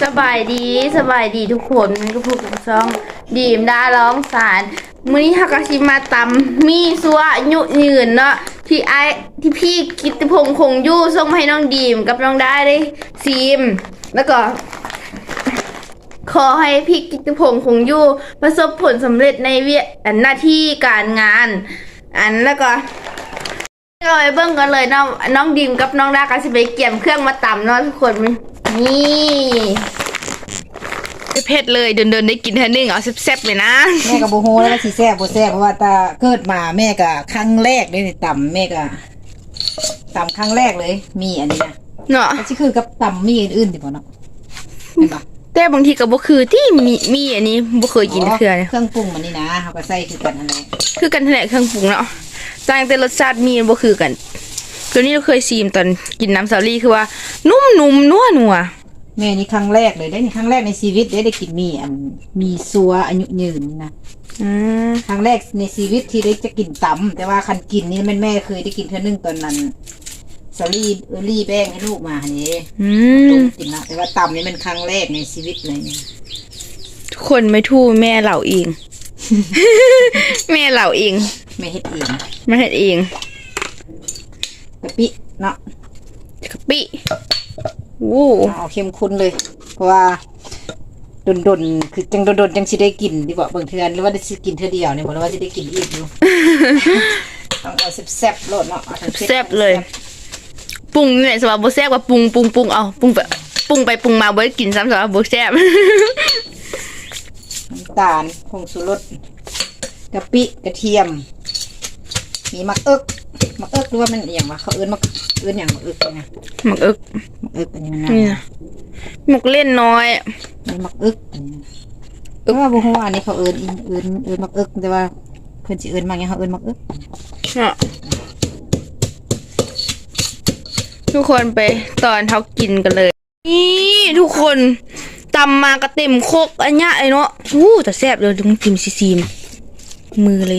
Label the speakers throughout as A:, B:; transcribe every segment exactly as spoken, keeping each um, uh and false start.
A: สบายดีสบายดีทุกคนทุกผู้กับช่องดีมดาร้องสารมื้อนี้ฮักกะชิมาตำมีซัวยุยืนเนาะที่ไอที่พี่กิตติพงษ์คงยู่ส่งมาให้น้องดีมกับน้องได้ได้ซีมแล้วก็ขอให้พี่กิตติพงษ์คงยู่ประสบผลสำเร็จในเวียหน้าที่การงานอันแล้วก็เราไปเบิ่งกันเลยน้องน้องดีมกับน้องดาก็สิไปเกี่ยมเครื่องมาตำเนาะทุกคนนี่เผ็ดเลยเดินๆได้กินเท่านึงเอาแซ่บๆเลยนะ
B: แม่กับโบโฮแล้วก็สีแซ่บโบแซ่บเพราะว่าตาเกิดมาแม่กับครั้งแรกเลยต่ำแม่กับต่ำครั้งแรกเลยมีอันนี้นะ
A: เนาะ
B: ที่คือกับต่ำมีอื่นๆดิบ่เนาะเห็นปะ
A: แต่บางทีก็บ่คือที่มีมีอันนี้บ่เคยกินเทื่อเนี่ย
B: เครื่องปรุงมันนี่นะเขาก็ใส่คือกันอะไร
A: คือกันแท้เครื่องปรุงเนาะต่างแต่รสชาติมีบ่คือกันตัวนี้เราเคยซีมตอนกินน้ำสาลี่คือว่านุ่มๆนัวๆ
B: แม่นี่ครั้งแรกเลยได้นี่ครั้งแรกในชีวิตได้ได้กินมีอันมีซัวอายุยืนนะ
A: อืม
B: ครั้งแรกในชีวิตที่ได้จะกินตำแต่ว่าคันกินนี่แม่แม่เคยได้กินเท่านึงตอนนั้นสาลี่เออรี่แป้งให้ลูกมาเนี่ย
A: อืม
B: กินนะแต่ว่าตำนี่มันครั้งแรกในชีวิตเลยเนี่ย
A: ทุกคนไม่ทู่แม่เหล่าเอง แม่เหล่าเอง
B: แม่เฮ็ดเอง
A: แม่เฮ็ดเอง
B: กะปิเนาะ
A: กะปิโอ้
B: เอาเข้มข้นเลยเพราะว่าดนๆคือจังดนๆจังสิได้กินดีกว่าบางเทื่อหรือว่าได้สิกินเทื่อเดียวเนี่ยบ่รู้ว่าสิได้กินอีกอยู่ ต้องเอาแซ่บๆโลดเนาะ
A: แซ่บเลยปรุงนี่แหละสำหรับบ่แซ่บว่าปรุงปรุงปรุงเอาปรุงไปปรุงไปปรุงมาบ่ได้กินซ้ำสำหรับบ่แซ่บ
B: น้ำตาลผงชูรสกะปิกระเทียมมีมักเอิกมักเอิกหรือว่ามันอย่างว่าเขาเอิ้นมักเอิ้นอย่างมักเอิกไง
A: มักเอิก
B: มักเอิกเป็นยังไง
A: มักเล่นน้อย
B: มีมักเอิกเพราะว่าบุ้งว่านี่เขาเอิ้นเอิ้นเอิ้นมักเอิกแต่ว่าเพิ่นสิเอิ้นมาไงเขาเอิ้นมักเอิก
A: ทุกคนไปตอนเขากินกันเลยนี่ทุกคนตำมากระเต็มโคกอันเนี้ยไอ้เนาะอู้แต่แซ่บเลยต้องจิ้มซีมมือเลย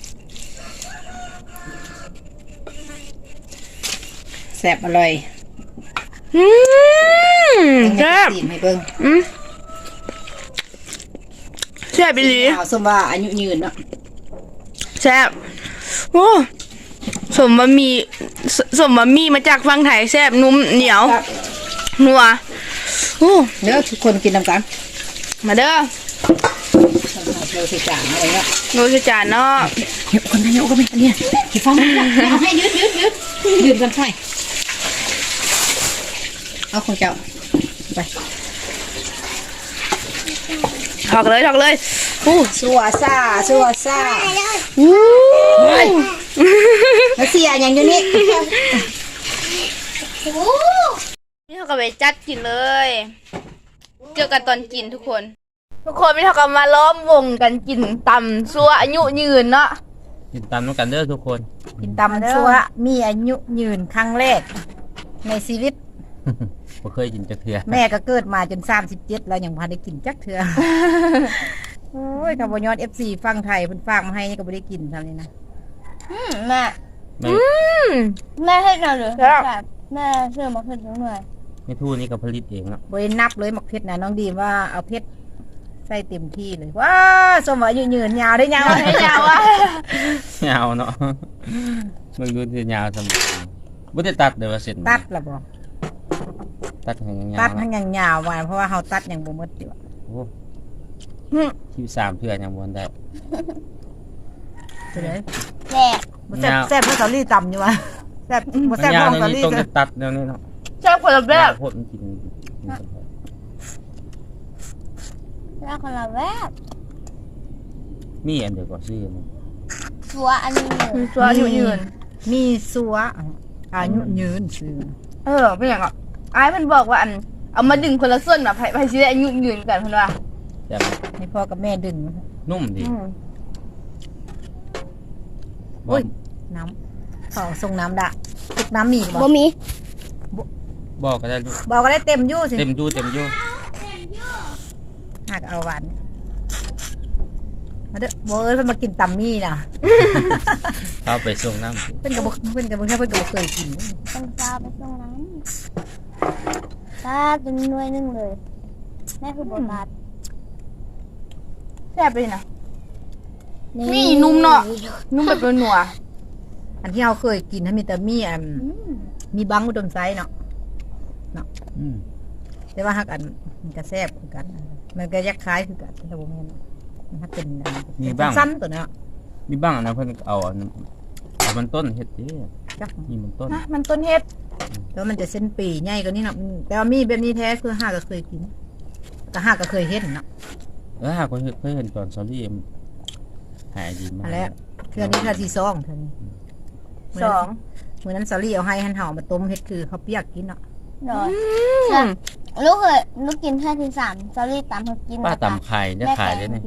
B: แซ่บอร่อย
A: อืมแซ่บ
B: ให้เบิ่ง
A: อืมแซ่บไปเลย
B: สมว่าอายุยืนเนาะ
A: แซ่บโอ้สมบะหมี่สมบะหมี่มาจากฝั่งไทยแซ่บนุ่มเหนียวนัวโอ้
B: เด้อทุกคนกินน้ำกัน
A: มาเด้อ
B: โรสจานอะไรเนาะ
A: โรสจานเนาะ
B: เดี๋ยวคนนายกก็ไม่เนี่ยกี่ฟองเอาให้ยืดยืดยืดยืดกันไปเอาของเจ้าไป
A: ถอกเลยถอกเลย
B: อู้สัวซ่าสัวซ่า
A: อู้
B: แล้วเสียอย่างอยู่นี่
A: นี่เขาก็ไปจัดกินเลยเจอกันตอนกินทุกคนทุกคนไม่เท่ากับมาล้อมวงกันกินตำซัวอายุยืนเนาะ
C: กินตำน้ำกันเด้อทุกคน
B: กินตำซัวมีอายุยืนครั้งแรกในชีวิต
C: บ่เคยกินจักเทื่อ
B: แม่ก็เกิดมาจนสามสิบเจ็ดแล้วยังพอได้กินจักเทื่อโอ้ยถ้าบ่ย้อน เอฟ ซี ฟังไทยเพิ่นฝากมาให้นี่ก็บ่ได้กินทำนี่นะ
D: อืมแม่
A: อืม
D: แม่ให้เราหรือแบบแม่เชื่อมาเพิ่มหน่อย
C: ไม่ทู่นี่ก็ผลิตเองเนาะ
B: บ่ได้นับเลยหมักเพชรนะน้องดีมว่าเอาเพชรใส่เต็มที่เลยว้าสมว่าอายุยืนยาวได้ยาวได้ยาวอ่ะ
C: ยาวเนาะมึงดูสิยาวสมบ่ได้ตัดเด้อว่าเสร็จ
B: ตัดล่ะบ่
C: ตัดให้ยาว
B: ตัดให้ยาวๆว่าเพราะว่าเฮาตัดยังบ่หมดอยู่
C: โอ้ที่สามเทื่อยังบ่ได้
B: เป็นไง
D: แซ่บ
B: บ่แซ่บแซ่บเพราะสาลี่ต่ำอยู่ว่ะแซ่บบ่แซ่บเพราะสาลี่
C: ต้องตัดแนวนี้เนาะ
A: แซ่บคนละแบบ
C: โคตรกิน
D: แล้วคนละแบบ
C: มีอันเดียวก็ซื้อมั้ย
D: ซัวอันนี้
A: ซัวอายุยืน
B: มีซัวอายุยืนซื้อ
A: เออเป็นอย่างอ่ะไอ้มันบอกว่าอันเอามาดึงคนละส่วนแบบไปสิได้อายุยืนกันเพิ่นว่า
B: ให้พ่อกับแม่ดึง
C: นุ่มดี
B: โอ้ยน้ำเขาส่งน้ำดะตุกน้ำมีบ่
D: บ่มี
C: บอกก็ได้ลูก
B: บอกก็ได้เต็มยู่สิ
C: เต็มยู่เต็มยู่
B: หากเอาหวานมาเด้อโบเอ้ยเพิ่นมากินตำมี่น่ะ
C: เอาไปส่งน้ำ
B: เพิ่นกับเพิ่นกับเพิ่นเพิ่นกับเคยกิน
D: ต้องซาไปส่งน้ำซาเป็นหน่วยนึงเลยแม่คือโบตัส
A: แซ่บเลยนะมีนุ่มเนาะนุ่มแบบนัว
B: อันที่เราเคยกินถ้ามีแต่มีอันมีบังอุดมไซส์เนาะเนาะ
C: อืม
B: แต่ว่าฮักอันมันก็แซ่บคือกัน มันก็ยักคล้ายคือกันแต่บ่แม่นมันฮักเป็นอันสั้นๆตัวเนาะ
C: มีบ้างนะเพิ่นเอาอันเอามันต้นเฮ็ดเด้
B: จัก
C: นี่มันต้น
A: นะมันต้นเฮ็ด
B: แล้วมันจะเส้นปีใหญ่กว่านี้เนาะอืมแต่ว่ามีแบบนี้แท้คือฮักก็เคยกินแต่ฮักก็เคยเห็นเนาะ
C: เออหากเคยเคยเห็นตอนซอรี่หายดีมาก
B: อันแล้วเทื่อนี้เทื่อที่สองเทื่อนี้
A: สอง
B: มื้อนั้นซอรี่เอาให้หันเห่ามาต้มเฮ็ดคือเขาวเปียกกินเนาะ
D: โดยลูกเคยลูกกินแค่ที่สามซอรี่ตามเขากิน
C: ป้าตำไข่ได้ขายได้เนี่ย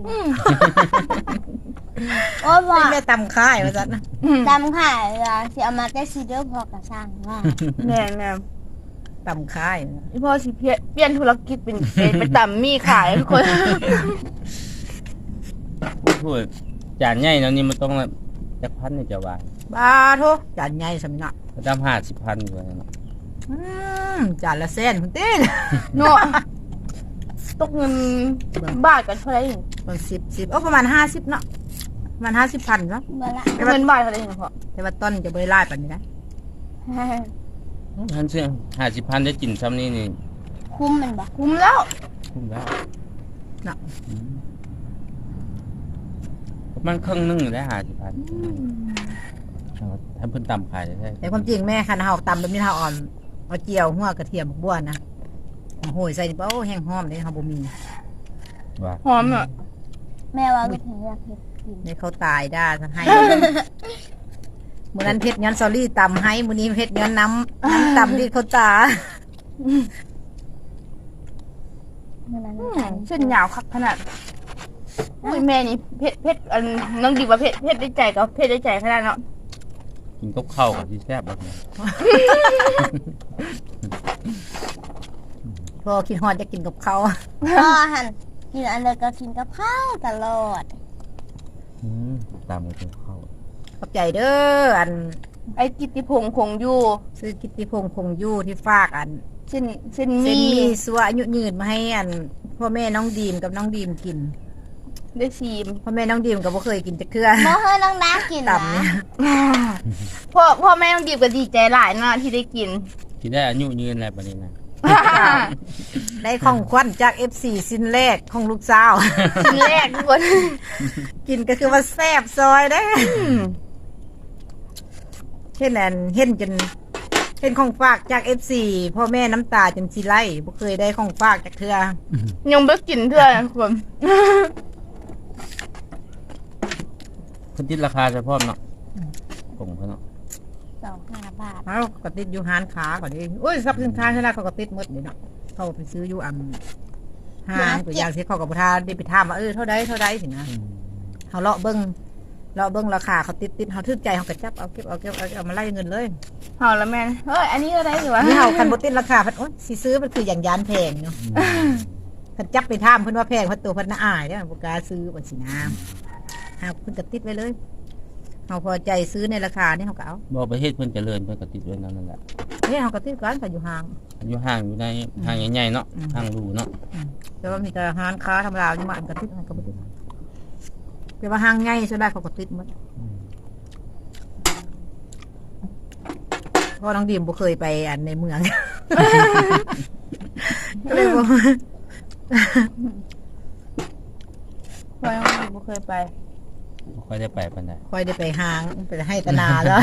D: โอ้ยบอก
B: แม่ตำค่ายว่าซั่นนะ
D: ตามค่ะเวลาสิเอามาได้ซีเดอร์พอกระช่างว่า
A: แน่แน่
B: ตำค่าย
A: อีพ่อสิเพี้ยเปลี่ยนธุรกิจเป็นเป็นไปตำมีขายทุกคน
C: พูดจานใหญ่เนาะนี่มันต้องจักพันนี่จะว่า
B: บาโทจานใหญ่สำนัก
C: ตามห้าสิบพันอยู่เนาะ
B: อืมจานละแสนคุณเต้น
A: เนาะตกเงินบาทกันเท่าไหร่เอง
B: มันสิบสิบโอ้ประมาณห้าสิบเนาะประมาณห้าสิบพันเนาะ
D: เมื่อละ
A: เงินบาทเท่าไหร่เองพ่อ
B: แต่ว่าต้นจะบริไล่ปันนี้นะ
C: ท่านเชื่อห้าสิบพันได้กินซ้ำนี่นี่
D: คุ้มมันบอก
A: คุ้มแล้ว
C: คุ้มแล้ว
B: เนาะ
C: มันครึ่งนึงได้ห้าสิบพันถ้าเพิ่นตำขายได้
B: แต่ความจริงแม่คันเฮาตำแบบนี้เฮาอ่อนเอาเจียวหัวกระเทียมบัวนะโหยใส่นี่เป้าแห้งหอมเลยเฮาบ่มี
C: ว่า
A: หอมอ่ะ
D: แม่ว่าลูกเห็นอยากเห็นกิน
B: นี่เขาตายได้ทั้งให้มื้อนั้นเพชรย้อนซอรี่ตำให้มื้อนี้เพชรย้อนน้ำน้ำตำที่เขาตา
D: เมื่อนั้น
A: อืมเส้นยาวคักขนาดอุ้ยแม่นี่เพชรเพชรอันน้องดีว่าเพชรเพชรได้ใจกับเพชรได้ใจขนาดเนาะ
C: กินกับข้าวกับที่แซ่บแบบนี้
B: พอคิดฮอดจะกินกับเขาว
D: พ่อหันกินอันเดียวก็กินกับข้าวตลอด
C: อืมตำกับข้าว
B: ขอบใจเด้ออัน
A: ไอ้กิตติพงษ์คงอยู่
B: ซื้อกิตติพงษ์คงอยู่ที่ฝากอัน
A: เส้นเส้น
B: เส้น
A: มี
B: มีสัวอายุยืนมาให้อันพ่อแม่น้องดีมกับน้องดีมกิน
A: ได้ซีม
B: พ่อแม่น้องดีมก็บ่เคยกินจักเทื่อ
D: เมื่อเฮ้ยน้องน้ากินนะ
B: ต่ำเนี่ย
A: พ่อพ่อแม่ต้องดีบก็ดีใจหลายเนาะที่ได้กิน
C: ที่ได้อายุยืนอะไรแบบนี้นะ
B: ได้ของขวัญจาก เอฟ ซี สิ้นแรกของลูกสาว
A: ชิ้นแรกทุกคน
B: กินก็คือว่าแซ่บซอยได้อเห็นอันเห็นจนเห็นของฝากจาก เอฟ ซี พ่อแม่น้ำตาจนสิไหลบ่เคยได้ของฝากจากเทื่อ
A: ยังไม่กินเท่าไหร่ทุกคน
C: เพิ่นติดราคาเฉพาะเนาะกงเพิ่นเนาะ
D: สองห้าบาท
B: เอ้าก็ติดอยู่ห้านค้าก่อนดิโอ้ยทรัพย์สินค้าชนะเขาก็ติดหมดนี่เนาะเขาไปซื้ออยู่อันห้างตัวอย่างที่เขากับประธานได้ไปถามว่าเออเท่าใดเท่าใดสินะ
C: อืม
B: เขาเลาะเบิ้งเลาะเบิ้งราคาเขาติดติดเขาทึกใจเขากระจับเอาเก็บเอาเก็บเอาเอามาไล่เงินเลย
A: เฮาละแม่นเฮ้ยอันนี้อะไรอยู่วะ
B: นี่เขาคันบติดราคาเพันโอ๊ยสิซื้อมันคืออย่างยานแพงเนาะคันจับไปท่ามเพิ่นว่าแพงเพันตัวเพิ่นน่าอายเด้อบ่กล้าซื้อบ่สินะหาเพิ่นก็ติดไว้เลยเขาพอใจซื้อในราคานี่เขาก็เอา
C: บ่ประเทศเพิ่นเจริญเพิ่นก็ติดไว้นั่นแหละ
B: เนี่ยเขาก็ติดกันเขาอยู่ห่าง
C: อยู่ห้างอยู่ในห้างใหญ่ๆเนาะ
B: อืม
C: ห้างหรูเนาะ
B: แต่ว่ามีแต่ห้างค้าธรรมดาอยู่มาอันก็ติดอันก็บ่ติดแต่ว่าห้างใหญ่ส่วนใหญ่เขาก็ติดหมด
C: อืม
B: เพราะน้องดีมบ่เคยไปอันในเมือง ก็เลยบอก
A: พ่อยังไม่เคยไป
C: บ่ค่อยได้ไปปานใด
B: ค่อยได้ไปห้างไปให้ตนาแล้ว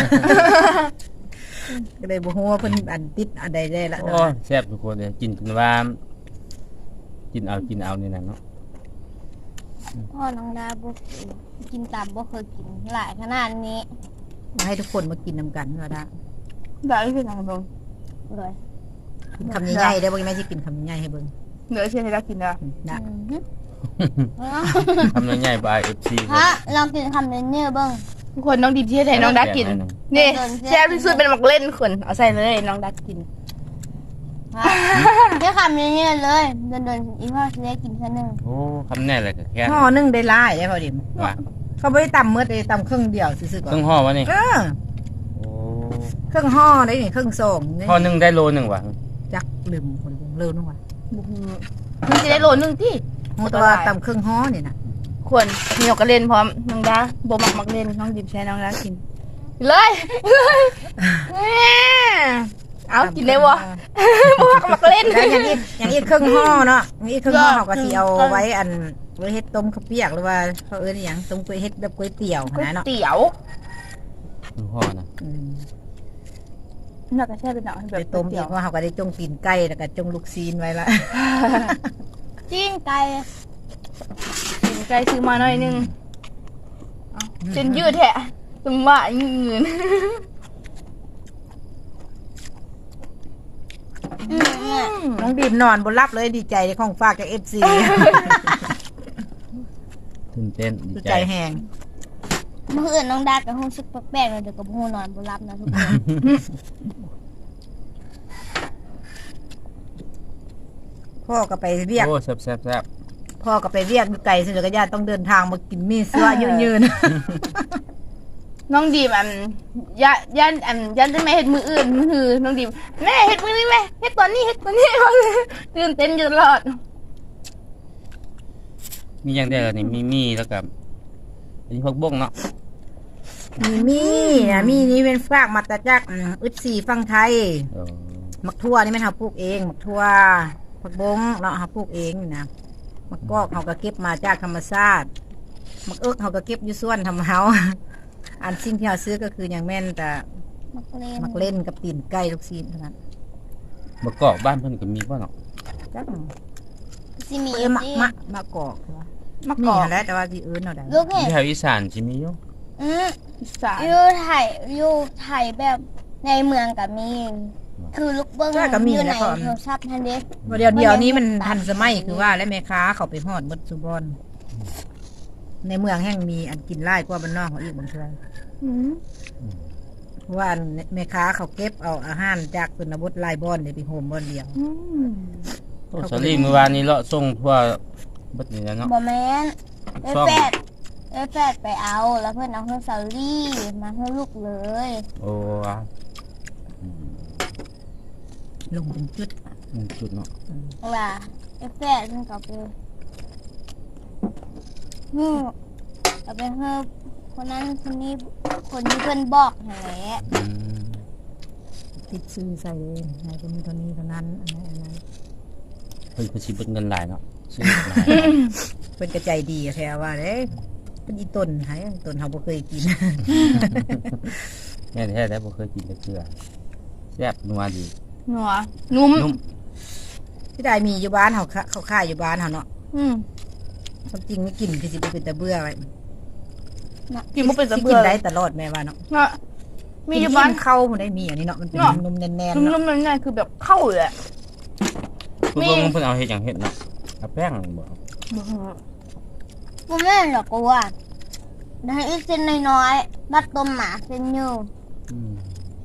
B: ก็เลยบ่ฮู้ว่าเพิ่นอันติดอันใดได้ละ
C: โอ้แซ่บทุกคนเลยกินจนว่ากินเอากินเอานี่นะเนาะ
D: พ่อน้องดาบุกกินตามบ่เคยกินหลายขนาดนี้
B: มาให้ทุกคนมากินนำกันก็ได้
A: ได้คือทางตรง
D: เลย
B: กินคำใหญ่ๆได้บ่แม่สิกินคำใหญ่ให้เบิ่ง
A: เหนือเชื่อให้ได้กินนะ
B: นะ
C: ทำใหญ่ๆบาย เอฟ ซี
D: ฮะลองกินคำเนื้อๆเบ้าง
A: ทุกคนน้องดีที่ให้น้องดักกิน นี่แซ่บที่สุดเป็นหมักเล่นคนเอาใส่เลยน้องดักกิน
D: ฮะแค่คำเนื้อๆเลยเดินๆอีพ่อจะได้กินแค่หนึ่ง
C: โอ้คำแน่เลยก็แค่
B: ห่อหนึงได้หลายได้พอดิม
C: ว่า
B: เขาบ่ได้ตำหมดเลยตำครึ่งเดียวซื่อๆก่อ
C: เครื่
B: น
C: องห่อวะนี่
B: เออ
C: โอ้
B: ครึ่งห่อได้นี่ครึ่งซองนี่
C: ห่อหนึงได้โลหนึงว่ะ
B: จักลืมคนลืมลืมนึงว่ะ
A: บุกมันจะได้โลนึงที่
B: ฮู้ตัวตำครึ่งฮ้อนี่น่ะ
A: ควรมีนกกระเล่นพร้อมน้องดาบ่มักมักเล่นน้องดิบใช้น้องดากินเลยเลยแม่เอากินเลยบ่บ่มักมักเล่น
B: แล้วอย่างอีกอย่างอีกครึ่งห่อเนาะอย่างอีกครึ่งห่อเขาก็สิเอาไว้อันไว้เฮ็ดต้มข้าวเปียกหรือว่าเขาเอิ้นอหยังต้มก๋วยเฮ็ดแบบก๋วยเตี๋ยว
A: ก๋วย
B: นะเนาะ
A: เตี๋ยว
C: คือพ่อนะ
B: อืม
A: น่าจะแช่เป็นหนังแบ
B: ไป
A: บ
B: ต้ม
A: เตี๋
B: อี
A: ยว
B: กว่าเขาก็ได้จงตีนไก่แล้วก็จงลูกซีนไว้ละ
D: จิ้งไก่
A: กินไก่ซื้อมาหน่อยนึงเอาเส้นยืดแท้ตึงว่าเงิน
D: อืมเนี่ย
B: น้องดีมนอนบนรับเลยดีใจในของฝากจาก เอฟ ซี
C: ตื่นเต้น
B: ดี
C: ดี
B: ใจ
C: ใจ
B: แฮง
D: เมื่อคืนน้องดากับฮู้สึกแปลกๆเลยเดี๋ยวกับฮู้นอนบ่หลับนะทุกคน
B: พ่อก็ไปเรียก
C: โอ้แซ่บแซ่บแซ่บ
B: พ่อก็ไปเรียกอยู่ไกลสิแล้วก็ญาติต้องเดินทางมากินมีเสื้อยืน
A: น้องดีมอันย่าย่านอันย่านจะไม่เห็ดมืออื่นมือคือน้องดีมแม่เห็ดมือนี้แม่เห็ดตอนนี้เห็ดตอนนี้ ตื่นเต้นอยู่ตลอด
C: มีอย่างเดียวนี่มีมีแล้วกับอันนี้พวกบ้งเนาะ
B: ๆมีมีนะมีนี่เป็นฝากมาแต่จากอืมอึดสีฟังไทย
C: เออ
B: มักทั่วนี่แม่นเฮาปลูกเองมักทั่วผักบงเนาะเฮาปลูกเองนี่นะมักกอกเฮาก็เก็บมาจากธรรมชาติมักเอิกเฮาก็เก็บอยู่สวนทำเฮา อันสิ่งที่เฮาซื้อก็คืออย่างแม่นแต่
D: มักเล่น
B: มักเล่นกับตีนไก่ลูกซีนเท่านั้น
C: มะกอกบ้านเพิ่นก็มีป่ะเนาะ
B: จัก
D: สิมี
B: เอ้ยมะ
D: สิ
B: มะมะกอกใช่ปะ
A: มะ
B: มี
A: กอก
B: หั่นแหล้วแต่ว่าที่อื่นเอาได้
D: ลูกเห็น
C: ที่แถวอีสานสิมีอยู่
D: อืม
A: อีสาน
D: อยู่ไทยอยู่ไทยแบบในเมืองก็มี คือลูกเบิ้งอยู่ในโทรศัพท์ทันเด้
B: เดี๋ยวเดี๋ยวนี้มันทันสมัยคือว่าและแม่ค้าเขาไปฮอดหมดสุบอนในเมืองแห่งมีอันกินไล่กว่าบ้านนอกเขาอีกบางเทื่อ
A: อืม
B: เพราะว่าอันแม่ค้าเขาเก็บเอาอาหารจากชนบทไล่บอนเดี๋ยวไปโฮมบอนเดียว
A: อืม
C: โอ้สลีเมื่อวานนี้เลาะส่งทั่วเบัดนี้แล้วเนาะ
D: บ่แม่นเอ้ย
C: ซ่อม
D: แฟดเอ้ยแฟดไปเอา แล้วเพื่อนเอาเพื่อนซาลี่มาให้ลูกเลย
C: โอ้อ่ะอืม
B: ลงเป็นจุด
C: หนึ่งจุดเนาะ
D: ว่าเอ้ยแฟดเพื่อนก็ไปฮึเอาไปให้คนนั้นคนนี้คนที่เพื่อนบอกนั่นแหละ
C: อืม
B: ติดซื้อใส่เองไหนก็มีเท่านี้เท่านั้นอันนั้นอันนั้น
C: เพิ่นก็สิเบิดเงินหลายเนาะซื้อหลาย
B: เป็นกระใจดีแค่ว่าเด้เป็นอีต้นหายต้นเขาบ่เคยกิน
C: แม่แท้ๆบ่เคยกินเลยเกลือแซ่บนัวดี
A: หนัวนุ่ม
C: นุ่ม
B: ที่ได้มีอยู่บ้านเขาขะเขาขายอยู่บ้านเขาเนาะ
A: อืม
B: ความจริงไม่กินคือสิบ่เป็นตะเบื่อไว้
A: กินบ่เป็นตะ
B: สิ
A: เบื่
B: กิ
A: อน
B: ได้ตลอดแม่ว่าเนาะ
A: เนาะมีอยู่บ้าน
B: กิเข้ามันได้มีอันนี้เนาะมันเป็น
A: เนาะ
B: นุ่มๆแน่นๆ
A: นุ่
B: เนาะ
A: มๆนั่นๆคือแบบเข้าเลยอะ
C: พวกบ้งเพิ่นเอาเฮ็ดหยังเฮ็ดเนาะเอาแป้งบ่
D: กูไม่หรอกกูว่าได้อีกเส้นน้อยๆบัดต้มหมาเส้นอยู่
C: อืม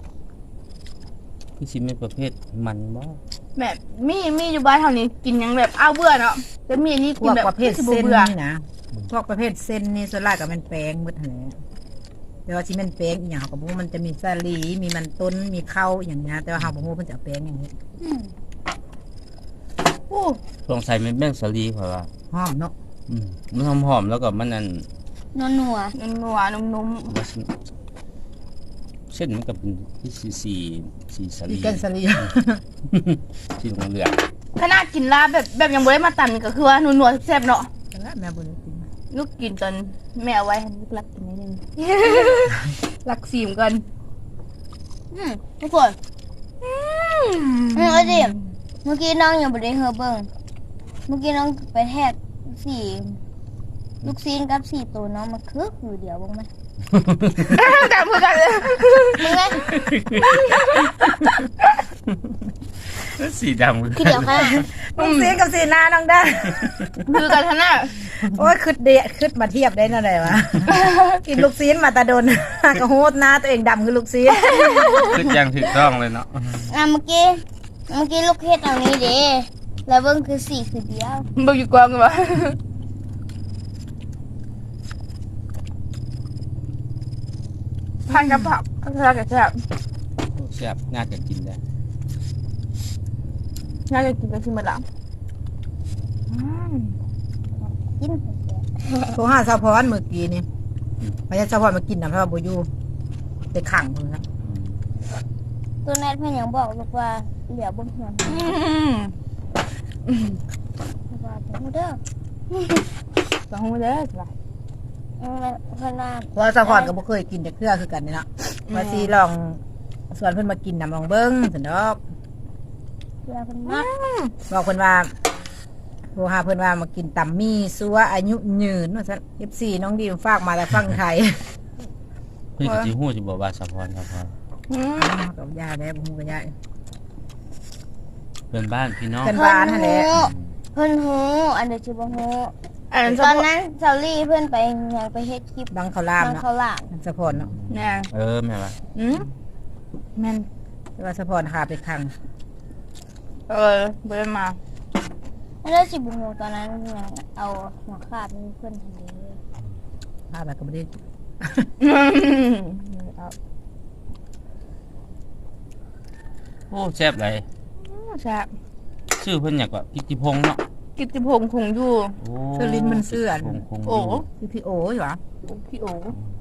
C: คือสิเป็นประเภทมันบ่
A: แบบมีมีอยู่บ้านเท่านี้กินยังแบบอ้าวเบื่อเนาะแต่มีอันนี้
B: พ
A: กิ
B: วน ก
A: แบบ
B: ประเภท
A: สิบ่
B: เส้น
A: เบื่อ
B: นี่นะพวกประเภทเส้นนี่ส่วนใหญ่ก็เป็นแป้งหมดหั่นแหละแต่ว่าที่มันแป้งอีหยังเขาก็บ่รู้มันจะมีสาลีมีมันต้นมีข้าวอย่างเงี้ยแต่ว่าเฮาบ่รู้เพิ่นจะเอาแป้งอย่างนี้
D: อืม
A: โอ้
C: สงสัยมันแม่งสาลีเพราะว่า
B: หอมเนาะ
C: อืมมันหอมๆแล้วก็มันนั่น
D: นัวนัว
A: นัวๆนุ่ม
C: ว่าสิเส้นมันก็เป็นที่สีสีสีสา
B: มี
C: ลี
B: แกนสาลี
C: สีเหลือง
A: ๆขนาดกินลาบแบบแบบยังบ่ได้มาตำนี่ก็คือว่านัวๆแซ่บๆเนาะ
B: แล้วแม่บ่ได้กิน
A: ลูกกินตอนแม่เอาไว้ให้ลูกรักกินนิดนึง รักสีมกัน
D: อืมทุกคนอืมเอาดิเมื่อกี้น้องยังบ่ได้เฮอเบิ่งเมื่อกี้น้องไปแทกสี่ลูกซีนกับสี่ตัวน้องมาคือคือเดียวบ้างไหม
A: จำเพื่อกันเลย
D: มึงไง
C: ๆสีดำ
D: คือเดียวค่ะ
B: ลูกซีนกับซีนาน้องได้
A: คือกันท่าน่ะ
B: โอ้ยคึดเดะคึดมาเทียบได้นั่นแหละวะ กินลูกซีนมาตาดน กระโหดหน้าตัวเองดำคือลูกซีน
C: คือยังถูกต้องเลยเนาะ
D: อ่ะเมื่อกี้เมื่อกี้ลูกเฮ็ดเอานี้เด้แล้วเบิ่งคือสี่คือเดียว
A: บอกอยู่กองกันวะพันกับผักก็แซ่บกับแซ่บ
C: แซ่บน่าจะกินได้
A: น่าจะกินกันชิมมาละ
D: กิน
B: โทรหาสาวพรเมื่อกี้นี่พยาสาวพรมากินน้ำเพราะว่าบ่อยู่ไปขังเพิ่นนะ
D: ตัวแนทเพื่อนยังบอกลูกว่าเหลียวบนหัวว่าผมเด้อ
A: สองหูเด้อจ้ะ
D: เพื่อนว่า
B: เพราะว่าสาวพรก็บ่เคยกินแต่เครือคือกันนี่เนาะว่าสิลองส่วนเพิ่นมากินน้ำลองเบิ่งซั่นดอก
D: เพื่อนเพื่อนมาก
B: บอกเพิ่นว่าโทรหาเพิ่นว่ามากินตำมี่ซัวอายุยืนว่าซั่น เอฟ ซี น้องดีมฝากมาแต่ฟังไทย
C: เพิ่นก็สิฮู้สิบอกว่าสะพรสะพร
B: กับยาแม่บ่ฮู้กับยา
C: เพื่อนบ้านพี่น้อง
B: เพิ่นบ้านนั่นแหละ
D: เพื่อนหูอันเดียวชิบหู
A: อันนั้น
D: ตอนนั้นเซาลี่เพื่อนไปยังไปเฮ็ดคลิป
B: บังเขาวหลาม
D: ทาง
B: เนาะ
D: เขาหลาม
B: สะพรเนาะ
A: เนี่ย
C: เออแม่ว่า
A: อืมแม่น
B: แต่ว่าสะพรหาไปขัง
A: เออเบิ่นมา
D: แล้วชิบหูตอนนั้นยังเอาหัวขาดนี่เพื่อนทำนี้
B: พาไปก็บ่ได้
A: เอา
C: โอ้แซ่บหลาย
A: แซ่บ
C: ชื่อเพิ่นหยังก็กิตติพงษ์เนาะ
A: กิตติพงษ์คงอยู่
C: โอ้
B: เสื้อลิ้นมันเสื้อ
C: พงษ์คง
A: โอ้
C: ยู่
B: คือพี่โออยู่หรอ
A: โอ้พี่โอ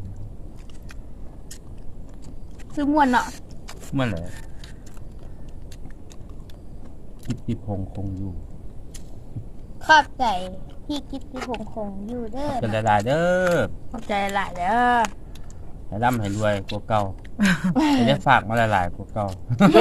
A: ซื้อม่วนเนาะ
C: เมื่อไหร่กิตติพงษ์คงอยู่
D: ขอบใจที่กิตติพงคงอยู่เด้อ
C: เป็นหลายๆเด้อ
A: ขอบใจหลายเด้อ
C: ให้ร่ำให้รวยกว่าเก่าให้ได้ฝากมาหลายๆกว่าเก่า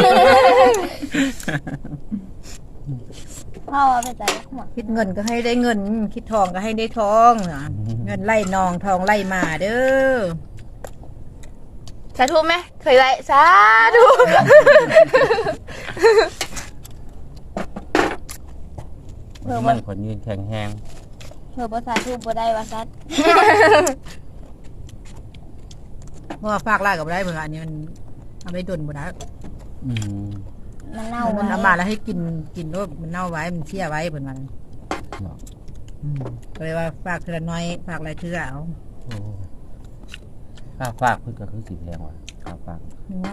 D: พ่อว่าไปใจหัว
B: คิดเงินก็ให้ได้เงิน คิดทองก็ให้ได้ทองนะเงินไล่นองทองไล่มาเด้อ
A: สาธุไหมเคยไล่สาธุ
C: เพิ่นมันคนยืนแข็งแรง
D: เธอภาษาทูบบ่ได้ว่าซัด
B: เพราะว่าฝากไล่กับได้เพิ่นว่าอันนี้มันเอาไปดนบ่ได้
C: อืม
D: มันเน่า
B: มัน
D: ไว้
B: เอามาแล้วให้กินกินโลดมันเน่าไว้มันเชี่ยไว้เพิ่นว่า
C: เนาะ
B: อืมก็เลยว่าฝากเทื่อน้อยฝากหลายเทื่อเอา
C: โอ้ค่าฝากเพิ่นก็คือสิแพงว่ะค่าฝาก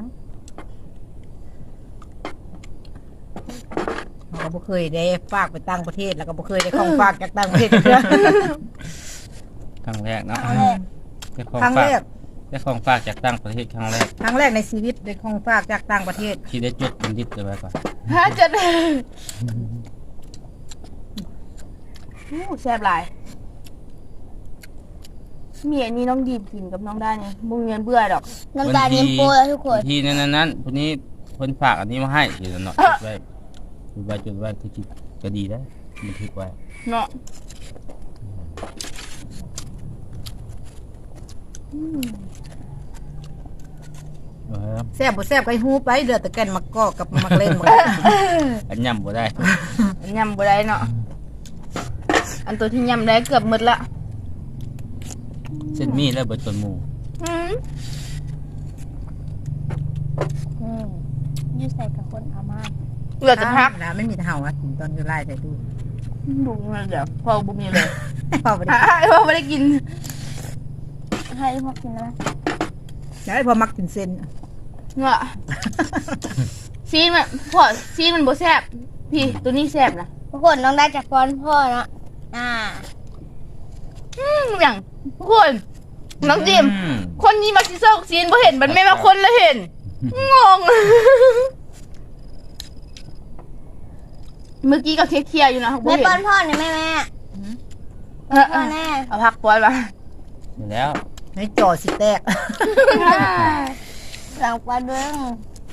B: เราก็บ่เคยได้ฝากไปต่างประเทศแล้วก็บ่เคยได้ของฝากจากต่างประเทศเทื่อ
C: ครั้งแรกเนาะ
D: เอาเลย
C: ได้ของ
B: ครั้ง
C: ฝา
B: แร
C: ก
B: ก
C: ได้ของฝากจากต่างประเทศครั้งแรก
B: ครั้งแรกในชีวิตได้ของฝากจากต่างประเทศ
C: ที่ได้จดเป็นดิบเลยไว้ก่อน
A: ฮะจะได้อู้แซ่บหลายมีอันนี้น้องดีมกินกับน้องได้เนี่ยบุ้งเงินเบื่อดอก
D: น้ำตาลเย็นโปรแล้วทุกคน
C: ที่นั้นนั้นคนนี้เพิ่นฝากอันนี้มาให้อยู่เนาะจดไว้จดไว้จดไว้คือจิตก็ดีได้บันทึกไว้
A: เนาะ
C: เออ
B: แซ่บบ่แซ่บก็ให้ฮู้ไปเดือดแต่แก่นมักกอกกับมักเล่นหมด
C: อันย่ำบ่ได้
A: ยำบ่ได้เนาะอันตัวที่ยำได้เกือบหมดละ
C: เส้นมีแล้วเบิดต้นหมู
A: อืม
D: อืมอยูใส่กับคนเอามา
A: เหลือจะพัก
B: นะไม่มีเห่าอ่ะกินตอนอยู่ไล่ใส่ตู้
A: บุ้งเงินเดี๋ยวพอบุ้งมีเลย
B: พอไปได้
A: อ่ะพอไม่ได้กิน
D: ให้พวกกินนะ
B: อยากให้พอมักกินเส้น
A: เงาะซีนมันพอซีนมันบ่แซ่บพี่ตัวนี้แซ่บนะ
D: ทุกคนน้องได้จากพรพ่อเนาะอ่า
A: อืมอย่างทุกคนน้องจิม
C: อืม
A: คนนี้มาซิเซอร์ซีนบ่เห็นมันไม่มาคนละเห็นงง เมื่อกี้ก็เคลียร์ๆอยู่นะบ่
D: แม่
A: เห็น
D: ป้อนพ่อหน่อยแม่แม่
A: เออ
D: พ่อแน่
A: เอาพักปอนมา
C: อยู่แล้ว
B: ให้จอสิแตก
D: หลังปลาเด้ง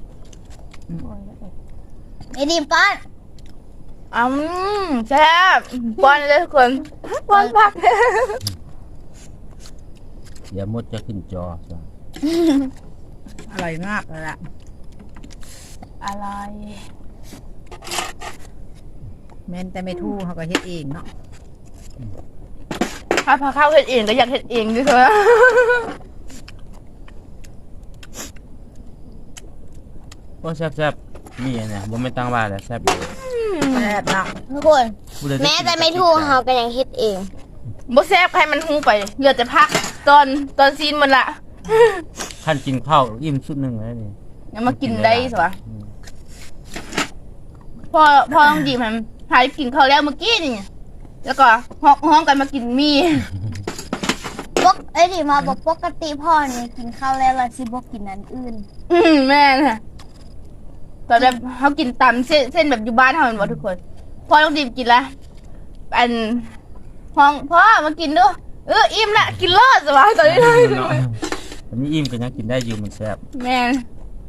D: ไอ้ดิมป้อน
A: อืมแซ่บปอนเลยทุกคนปอนพัก
C: เดี๋ยวมดจะขึ้นจอจ้ะ
B: อร่อยมากเลยล่ะ
A: อะไร
B: แม้นแต่ไม่ทู่เขาก็เฮ็ดเองเนาะ
A: ถ้าพาข้าวเฮ็ดเองก็อยากเฮ็ดเองด้วยเถอะ
C: โอ้แซ่บๆมีอันเนี่ยบ่ไม่ตั้งว่าแล้วแซ่บอยู่
B: แซ่บเนาะ
D: ทุกคน
C: ผู้ใดได้
D: แม้
C: กิน
D: แต่ไม่ทู่เฮาก็ยังเฮ็ดเอง
A: บ่แซ่บใครมันหูไปเหลือแต่พักตอนตอนซีนมันละ
C: ขั้นกินข้าวอิ่มสุดหนึงแล้วนี่
A: ยังมากินได้สิวะ
C: อืม
A: พอพอต้องดีมันหายกินข้าวแล้วเมื่อกี้นี่แล้วก็ห้องห้องกันมากินมี
D: ปกเอ้ยดิมาบอกปกติพ่อเนี่ยกินข้าวแล้วล่ะสิบอกกินอันอื่น
A: อืมแม่น่ะตอนแบบเขากินตำเส้นเส้นแบบอยู่บ้านเขาเหมือนว่าทุกคนพ่อต้องดีมกินละอันห้องพ่อมากินด้วยเอออิ่มละกินรอดสบายตอนนี้ได้
C: เนาะอันนี้อิ่มกันยังกินได้อยู่มันแซ่บ
A: แม่น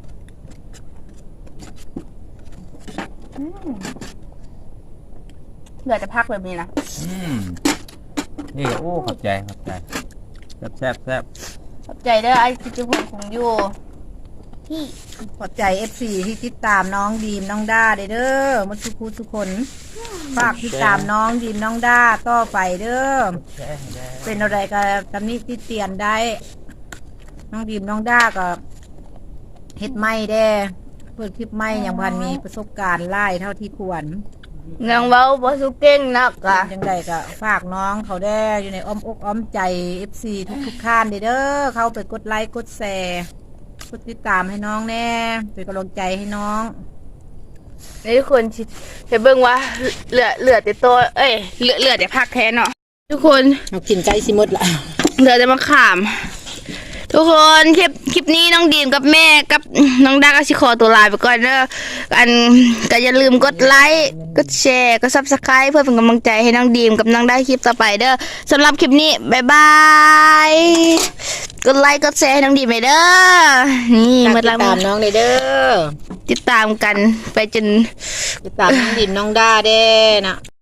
A: เหลือจะพักแบบนี้นะ
C: อืมนี่โอ้ขอบใจขอบใจแซ่บแซ่บแซ่บ
A: ขอบใจเด้อไอ้จิจุพงของอยู่
D: ที่
B: ขอบใจ เอฟ ซี ที่ติดตามน้องดีมน้องด้าเด้อเด้อมาทุกคนทุกคนฝากติดตามน้องดีมน้องด้าต่อไปเด้อ
C: แซ่บแซ่บ
B: เป็นอะไรก็ตำหนี้ที่เตียนได้ น้องดีมน้องด้าก็เฮ็ดไม่แด้เปิดคลิปไม่อย่างพันมีประสบการณ์ไล่เท่าที่ควร
A: นางเว้าบ่สุเก่งนักอะ
B: จังใดก็ฝากน้องเขาได้อยู่ในอ้อมอกอ้อมใจ เอฟ ซี ทุกทุกๆท่านเด้อเด้อเข้าไปกดไลค์กดแชร์กดติดตามให้น้องแน่เป็นกำลังใจให้น้อง
A: นี่ทุกคนชิจะเบิ่งว่าเหลือเหลือแต่ตัวเอ้ยเหลือเหลือแต่พักแทนเนาะทุกคน
B: เอากินใจสิหมดละ
A: เหลือแต่มะขาม ทุกคนคลิปคลิปนี้น้องดีมกับแม่กับน้องดาก็ชิขอตัวลาไปก่อนเด้ออันก็อย่าลืมกดไลค์กดแชร์กดซับสไครต์เพื่อเป็นกำลังใจให้น้องดีมกับน้องได้คลิปต่อไปเด้อสำหรับคลิปนี้บ๊ายบายกดไลค์กดแชร์ให้น้องดีมไปเด้อนี่
B: ฝาก
A: หมด
B: ติ
A: ละ
B: ดตามน้องเด้อเด้อ
A: ติดตามกันไปจน
B: ติดตามน้องดินน้องด้าเด้นะ